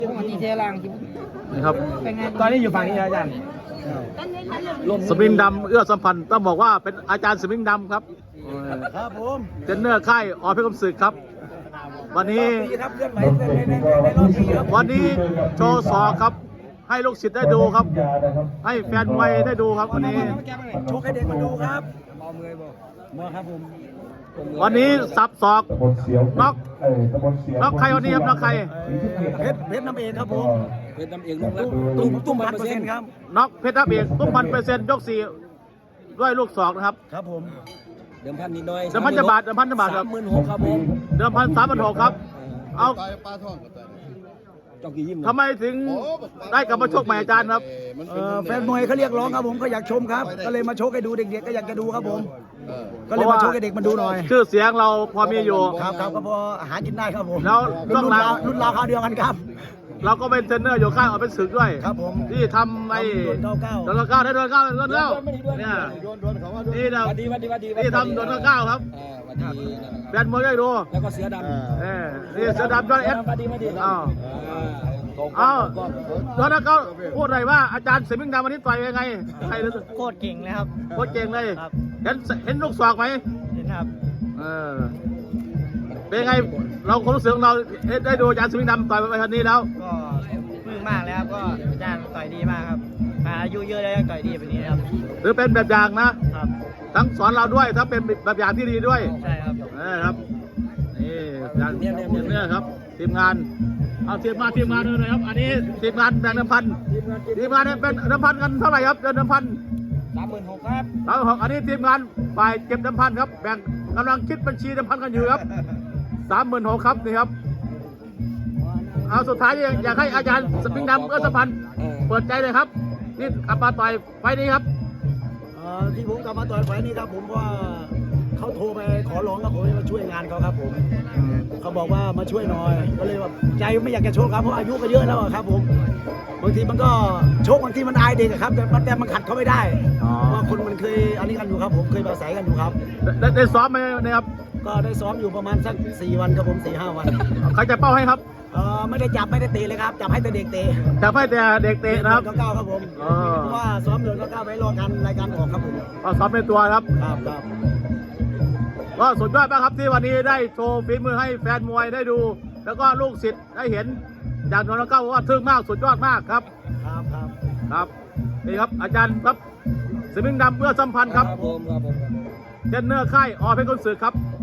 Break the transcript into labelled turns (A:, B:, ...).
A: วันนี้เทลัง
B: นี่ครับ
A: ตอนนี้อยู่ฝั่งนี้อาจารย์
B: สมิงดำเอื้อสัมพันธ์ต้องบอกว่าเป็นอาจารย์สมิงดำครับ
A: ครับผม
B: เทรนเนอร์ค่ายอเพชรคมศึกครับ วันนี้
A: ครับเลื่อนไหวในรอบนี้ครับ
B: วันนี้โชว์ศอกครับ ให้ลูกศิษย์ได้ดูครับ ให้แฟนมวยได้ดูครับวันนี้
A: โชว์ให้เด็กมาดูครับมอมือบอกมอครับผม
B: วันนี้สับศอกน็อกน็อกใครวันนี้ครับน็อกใคร
A: เพชรน้ำเองครับผม
C: เป็นตำเองลูกแล้ว
A: ตุ้ม1,000%ครับ
B: น็อกเพชรทับเอกตุ้ม1,000%ยก4ด้วยลูกศอกนะครับ
A: ครับผม
C: เดิมพันนิดหน่อย
B: เดิมพันจะบาทครับ
C: 36,000ครับผม
B: เดิมพัน3,600ครับเอา
C: เจ้ากี่ยิ้ม
B: ทำไมถึงได้กลับมาชกใหม่อาจารย์ครับ
A: แฟนมวยเขาเรียกร้องครับผมเขาอยากชมครับ ก็เลยมาโชว์ให้ดูเด็กๆก็อยากจะดูครับผม ก็เลยมาโชว์ให้เด็กมาดูหน่อย
B: ชื่อเสียงเราพอมีอยู่
A: ครับก็พออาหารกินได้ครับผม
B: แล้วต้อง
A: รุ่นราวคราวเดียวกันครับ
B: เราก็เป็นเทรนเนอร์อยู่ค่ายอเป็นศึกด้วย
A: ครับผม
B: ที่ทำไอ้
A: โดน99
B: โดน99ได้โดน99เนี่ยนี่นะ
C: วัดดี
B: ที่ทำโดน99ครับ
C: วัดดี
B: แฟนมวยได้ดู
C: แล้วก็เสือดำ
B: นี่เสือดำยอดเอส
C: วัดดี
B: อ้าวอ้าวโดน99พูดหน่อยว่าอาจารย์สมิงดำวันนี้ต่อยยังไงใครรู้
A: โคตรเก่งเลยครับ
B: โคตรเก่งเลย
A: ครับ
B: เห็นลูกศอกไหม
A: เห็นครับ
B: เป็นไงเราความรู้สึกของเราได้ดูอาจารย์สมิงดำต่อยไปวันนี้แล้ว
A: ก็ปลื้มมากเลยครับ ก็อาจารย์ต่อยดีมากครับอายุเยอะแล้วยังต่อยดีแบบนี้ครับ
B: หรือเป็นแบบอย่างนะ
A: ครับ
B: ทั้งสอนเราด้วยทั้งเป็นแบบอย่างที่ดีด้วย
A: ใช่ครับ
B: ครับนี่อย่างเนี่ยครับทีมงานเอาทีมงานเลยนะครับ อันนี้ทีมงานแบ่งเดิมพันทีมงานเนี่ยเป็นเดิมพันกันเท่าไหร่ครับเดิมพัน
C: 36,000ครับ
B: 36,000อันนี้ทีมงานฝ่ายเก็บเดิมพันครับแบ่งกำลังคิดบัญชีเดิมพันกันอยู่ครับ36,000ครับนี่ครับเอาสุดท้ายอยากให้อาจารย์สมิงดำเอื้อสัมพันธ์เปิดใจเลยครับนี่กลับมาต่อยไฟนี้ครับ
A: ที่ผมกลับมาต่อยไฟนี้ครับผมว่าเขาโทรไปขอร้องครับผมให้มาช่วยงานเขาครับผมเขาบอกว่ามาช่วยหน่อยก็เลยแบบใจไม่อยากจะโชคครับเพราะอายุก็เยอะแล้วอะครับผมบางทีมันก็โชคบางทีมันอายเด็กอะครับแต่มันขัดเขาไม่ได้ว่าคนมันเคยอันนี้กันอยู่ครับผมเคยมาใส่กันอยู่ครับ
B: ได้ซ้อมไหมนะครับ
A: ก็ได้ซ้อมอยู่ประมาณสัก4 วันครับผม4-5 วัน
B: ใครจะเป้าให้ครับ
A: ไม่ได้จับไม่ได้เตะเลยครับจับให้แต่เด็กเตะ
B: จะให้แต่เด็กเตะนะครับ
A: ก้าวครับผมเพราะว่าซ้อมเดือน99ไว้รอกันรายการออกครับผม
B: ก็ซ้อมในตัวครับ
A: ครับ
B: ก็สุดยอดมากครับที่วันนี้ได้โชว์ฝีมือให้แฟนมวยได้ดู แล้วก็ลูกศิษย์ได้เห็นอย่างนนท์เก้าว่าทึ่งมากสุดยอดมากครับครับนี่ครับอาจารย์ครับสมิงดำเพื่อสัมพันธ์ครับ
C: ผม
B: เทรนเนอร์ค่ายอเพชรคมศึกครับ